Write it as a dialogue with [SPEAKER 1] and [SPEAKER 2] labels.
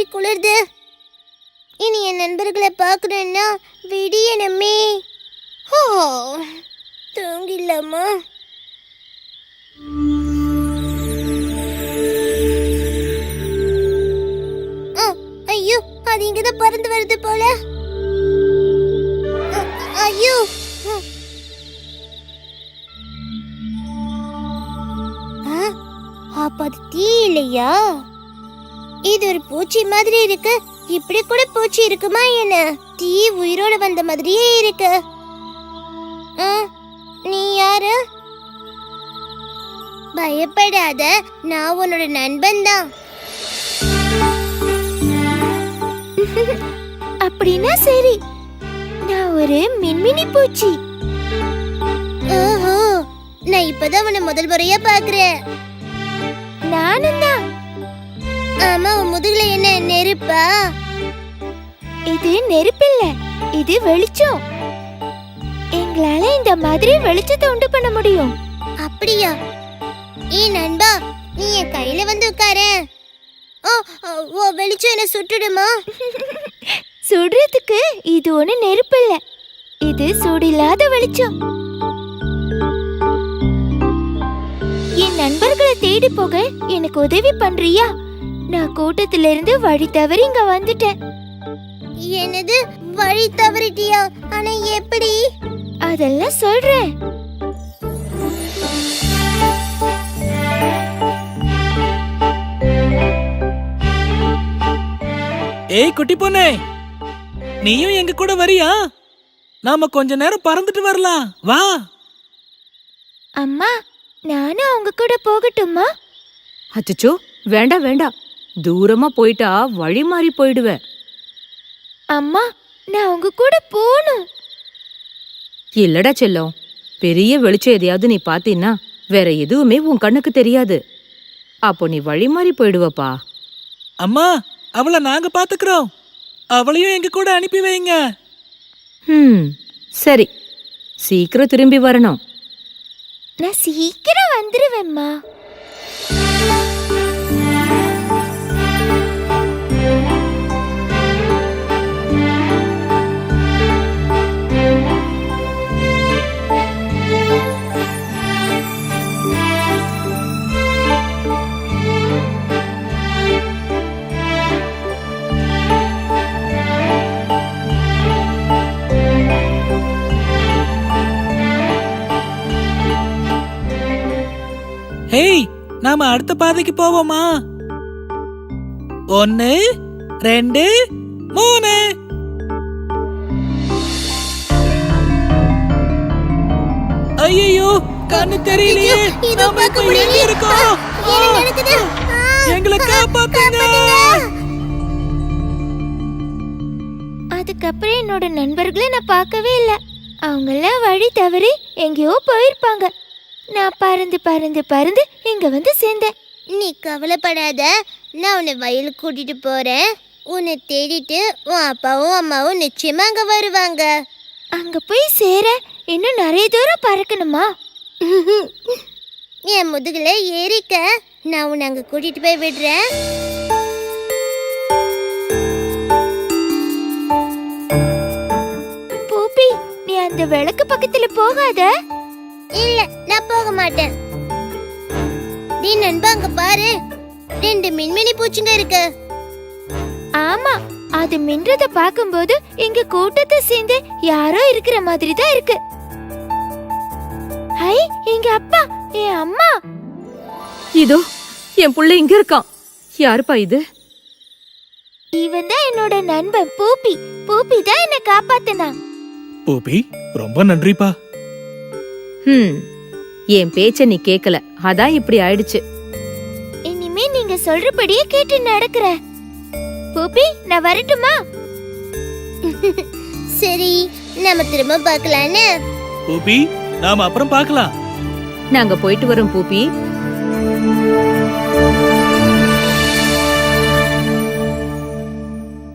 [SPEAKER 1] குளிர்து. இனி என் நண்பர்களை பார்க்கணும்னா விடியணுமே. தூங்கிடலாமா? ஐயோ, அது இங்கதான் பறந்து வருது போல. ஐயோ, அப்ப அது தீ இல்லையா? இது ஒரு பூச்சி மாதிரி இருக்கு. இப்படி கூட பூச்சி இருக்குமா என்ன? தீ உயிரோட வந்த மாதிரியே இருக்கு. நீ யாரு? பயப்படாத, நான் உன்னோட நண்பன் தான். அப்படின்னா சரி, நான் ஒரு மின்மினி பூச்சி. ஓஹோ, நான் இப்பதான் உன்னை முதல் முறையா பாக்குறேன். நானும் தான். ஆமா, உன் முதுகுல என்ன நெருப்பா? இது நெருப்பில்ல, இது வெளிச்சம். எங்களால இந்த மாதிரி வெளிச்சத்தை உண்டு பண்ண முடியும். அப்படியா? நண்பா, நீ என் கையில வந்து உட்கார. ஓ, வெளிச்சம் என்ன சுட்டுடுமா? சுடுறதுக்கு இது ஒண்ணு நெருப்பு இல்ல, இது சூடில்லாத வெளிச்சம். என் நண்பர்களை தேடி போக எனக்கு உதவி பண்றியா? நான் கூட்டத்தில இருந்து வழி தவறி இங்க வந்துட்டேன். என்னது, வழி தவறிட்டியா? ஆனா எப்படி? அதெல்லாம் சொல்றேன்.
[SPEAKER 2] ஏய் குட்டி பொண்ணே, நீயும் எங்க கூட வரியா? நாம கொஞ்ச நேரம் பறந்துட்டு வரலாம், வா.
[SPEAKER 1] அம்மா, நானும் அவங்க கூட போகட்டுமா?
[SPEAKER 3] அச்சச்சோ, வேண்டாம் வேண்டாம், தூரமா போயிட்டா வழி மாறி போயிடுவ.
[SPEAKER 1] அம்மா, நான் உங்க கூட போகணும்.
[SPEAKER 3] இல்லடா செல்லம், பெரிய வெளிச்சம் எதையாவது நீ பாத்தீன்னா வேற எதுவுமே உன் கண்ணுக்கு தெரியாது. அப்போ நீ வழி மாறி போயிடுவப்பா.
[SPEAKER 2] அம்மா, அவளை நாங்க பாத்துக்கிறோம். அவளையும் எங்க கூட அனுப்பி வைங்க.
[SPEAKER 3] சரி, சீக்கிரம் திரும்பி வரணும்.
[SPEAKER 1] நான் சீக்கிரம் வந்துருவேம்மா.
[SPEAKER 2] ஹேய், நாம அடுத்த பாதைக்கு போவோமா? 1 2 3. ஐயோ, கண்ணு தெரியலையே. நாம இப்ப எங்க இருக்கோம்? எங்களை காப்பாத்துங்க.
[SPEAKER 1] அதுக்கப்புறம் என்னோட நண்பர்களை நான் பார்க்கவே இல்லை. அவங்கெல்லாம் வழி தவறி எங்கேயோ போயிருப்பாங்க. நான் பறந்து பறந்து பறந்து இங்க வந்து சேர்ந்தேன். நீ கவலைப்படாத, நான் உன்னை வயலுக்கு கூட்டிட்டு போறேன். உன்னை தேடிட்டு உன் அப்பாவும் அம்மாவும் நிச்சயமா அங்க வருவாங்க. அங்க போய் சேர இன்னும் நிறைய தூரம் பறக்கணுமா? என் முதுகுல ஏறிக்க, நான் உன்னை அங்க கூட்டிட்டு போய் விடுறேன். பூப்பி, நீ அந்த விளக்கு பக்கத்துல போகாத. இல்ல, நான் போக மாட்டேன். நீ நண்பா, அங்க பாரு, 2 மின்மினி பூச்சிங்க இருக்கு. ஆமா, அது மின்றத பாக்கும்போது எங்க கூட்டத்தை சேர்ந்து யாரோ இருக்கிற மாதிரி தான் இருக்கு. ஹை, எங்க அப்பா, என் அம்மா.
[SPEAKER 3] இதோ என் புள்ள இங்க இருக்கான். யாருப்பா இது?
[SPEAKER 1] இவன் தான் என்னோட நண்பன் பூப்பி. பூப்பி தான் என்ன காப்பாத்தினா.
[SPEAKER 2] பூப்பி, ரொம்ப நன்றிப்பா.
[SPEAKER 3] என் பேச்ச நீ கேக்கல, அதான் இப்படி ஆயிடுச்சு.
[SPEAKER 1] இனிமே நீங்க சொல்றபடியே கேட்டு நடக்கிறேன். பூப்பி, நான் வரட்டுமா? சரி, நாம திரும்ப பார்க்கலான்னு.
[SPEAKER 2] பூப்பி, நாம அப்புறம் பார்க்கலாம்.
[SPEAKER 3] நாங்க போயிட்டு வரோம் பூப்பி.